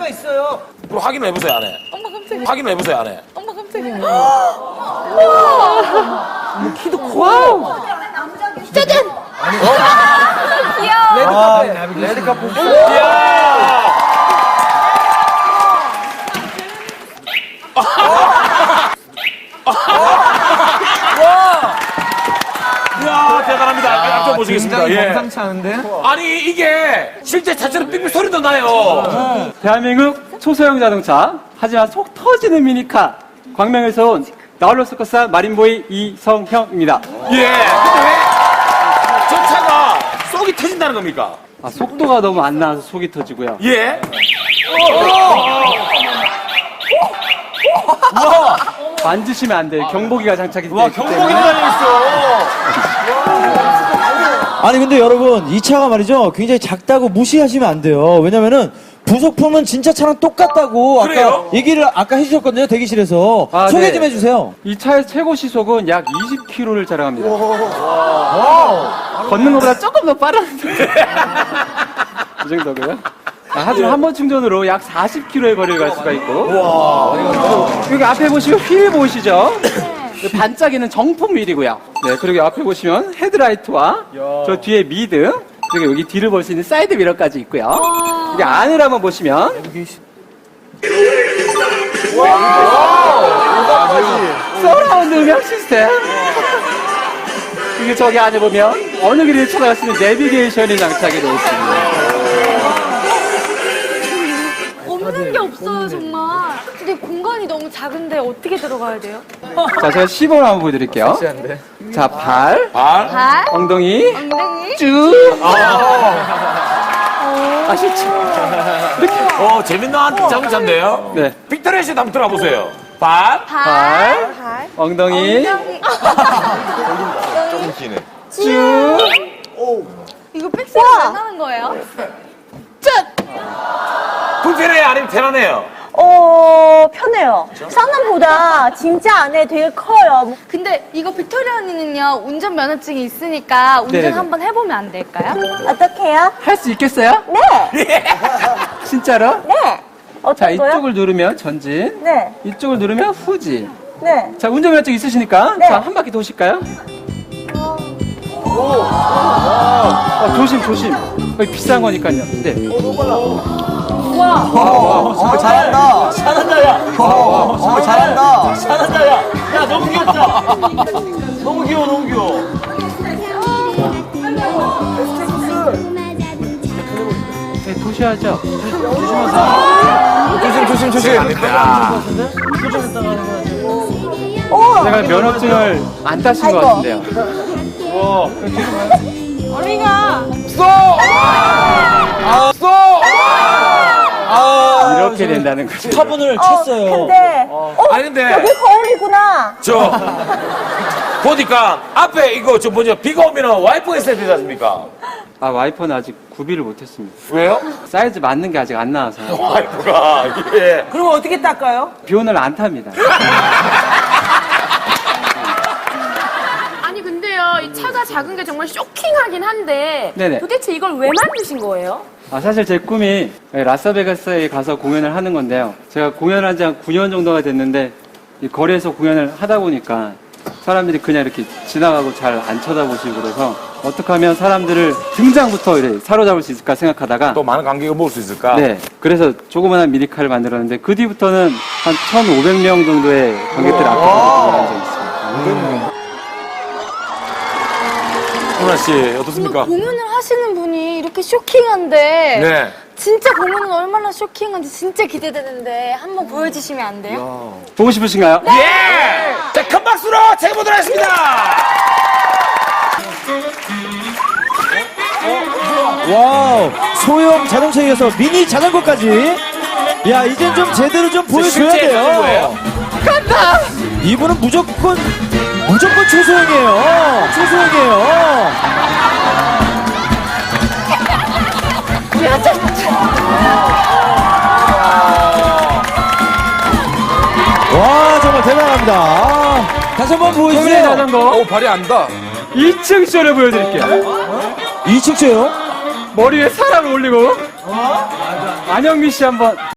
수가 있어요. 그럼 확인을 해보세요, 안 해? 엄마 깜짝이야. 확인을 해보세요, 안 해? 엄마 깜짝이야. 키도 커. 짜잔! 귀여워. 레드카페. 이야, 대단합니다. 앞쪽 보시겠습니다. 굉장히 예. 범상치 않은데? 아니, 이게 실제 차처럼 삑삑 소리도 나요. 대한민국 초소형 자동차, 하지만 속 터지는 미니카, 광명에서 온 나홀로 서커스 마린보이 이성형입니다. 예. 근데 왜 저 차가 속이 터진다는 겁니까? 아, 속도가 너무 안 나와서 속이 터지고요. 예. 만지시면 안 돼요. 경보기가 장착이 되어 있기 경보기 때문에. 달려있어. 아니 근데 여러분 이 차가 말이죠 굉장히 작다고 무시하시면 안 돼요. 왜냐면은 부속품은 진짜 차랑 똑같다고 그래요? 얘기를 아까 해주셨거든요 대기실에서. 아, 소개 네. 좀 해주세요. 이 차의 최고 시속은 약 20km를 자랑합니다. 걷는 것보다 조금 더 빠른데. 이 정도고요. 하지만 한 번 충전으로 약 40km의 거리를 갈 수가 있고. 여기 앞에 보시면 휠 보이시죠? 반짝이는 정품 휠이고요. 네, 그리고 앞에 보시면 헤드라이트와 저 뒤에 미드, 그리고 여기 뒤를 볼 수 있는 사이드 미러까지 있고요. 여기 안을 한번 보시면 서라운드 음향 시스템. 그리고 저기 안에 보면 어느 길을 찾아갈 수 있는 내비게이션이 장착이 되어 있습니다. 없는 게 없어요, 정말. 근데 공간이 너무 작은데 어떻게 들어가야 돼요? 자, 제가 시범을 한번 보여드릴게요. 자, 발, 발, 엉덩이, 엉덩이. 쭉. 아시죠? 재밌는 자동차인데요. 네. 빅토리아 씨도 한번 들어보세요. 발. 발, 엉덩이, 엉덩이. 쭉. 이거 팩스가 왜 나는 거예요? 불편해요? 아니면 편하네요? 편해요. 상남보다 진짜 안에 되게 커요. 근데 이거 빅토리아 언니는요, 운전 면허증이 있으니까 운전 네네네. 한번 해보면 안 될까요? 어떡해요? 할 수 있겠어요? 네! 진짜로? 네! 자, 어떤 거요? 이쪽을 누르면 전진, 네, 이쪽을 누르면 후진. 네. 자, 운전면허증 있으시니까 네. 자, 한 바퀴 도실까요? 조심, 조심. 거의 비싼 거니까요. 네. 잘한다. 잘한다, 야. 잘한다. 잘한다, 야. 야, 너무 귀엽다. 너무 귀여워, 너무 귀여워. 네, 도셔야죠. 조심. 제가 면허증을 안 따신 것 같은데요. 이렇게 된다는 거죠. 화분을 쳤어요. 근데, 아니, 근데. 여기 거울이구나. 보니까 앞에 이거 비가 오면 와이퍼가 있어야 되지 않습니까? 아, 와이퍼는 아직 구비를 못했습니다. 왜요? 사이즈 맞는 게 아직 안 나와서. 와이퍼가, 예. 그럼 어떻게 닦아요? 비 오늘 안 탑니다. 아니, 근데요, 이 차가 작은 게 정말 쇼킹하긴 한데, 네네. 도대체 이걸 왜 만드신 거예요? 아, 사실 제 꿈이 라스베가스에 가서 공연을 하는 건데요. 제가 공연한 지 한 9년 정도가 됐는데, 이 거리에서 공연을 하다 보니까 사람들이 그냥 이렇게 지나가고 잘 안 쳐다보시고 그래서 어떻게 하면 사람들을 등장부터 이렇게 사로잡을 수 있을까 생각하다가 또 많은 관객을 모을 수 있을까? 네, 그래서 조그만한 미니카를 만들었는데 그 뒤부터는 한 1,500명 정도의 관객들 앞에서 공연한 적이 있습니다. 누나 씨, 어떻습니까? 공연을 하시는 분이 이렇게 쇼킹한데, 네. 진짜 공연은 얼마나 쇼킹한지 진짜 기대되는데, 한번 보여주시면 안 돼요? 보고 싶으신가요? 예! 자, 큰 박수로 챙겨보도록 하겠습니다! 와우. 소형 자동차에 이어서 미니 자전거까지. 야 이젠 좀 제대로 좀 보여줘야 실제 돼요. 자전거예요? 이분은 무조건 초소형이에요. 초소형이에요. 와 정말 대단합니다. 다시 한번 소민의 보여주세요. 자전거 발이 안다. 2층 쇼를 보여드릴게요. 2층 쇼요? 머리에 사람을 올리고 안영미 씨 한번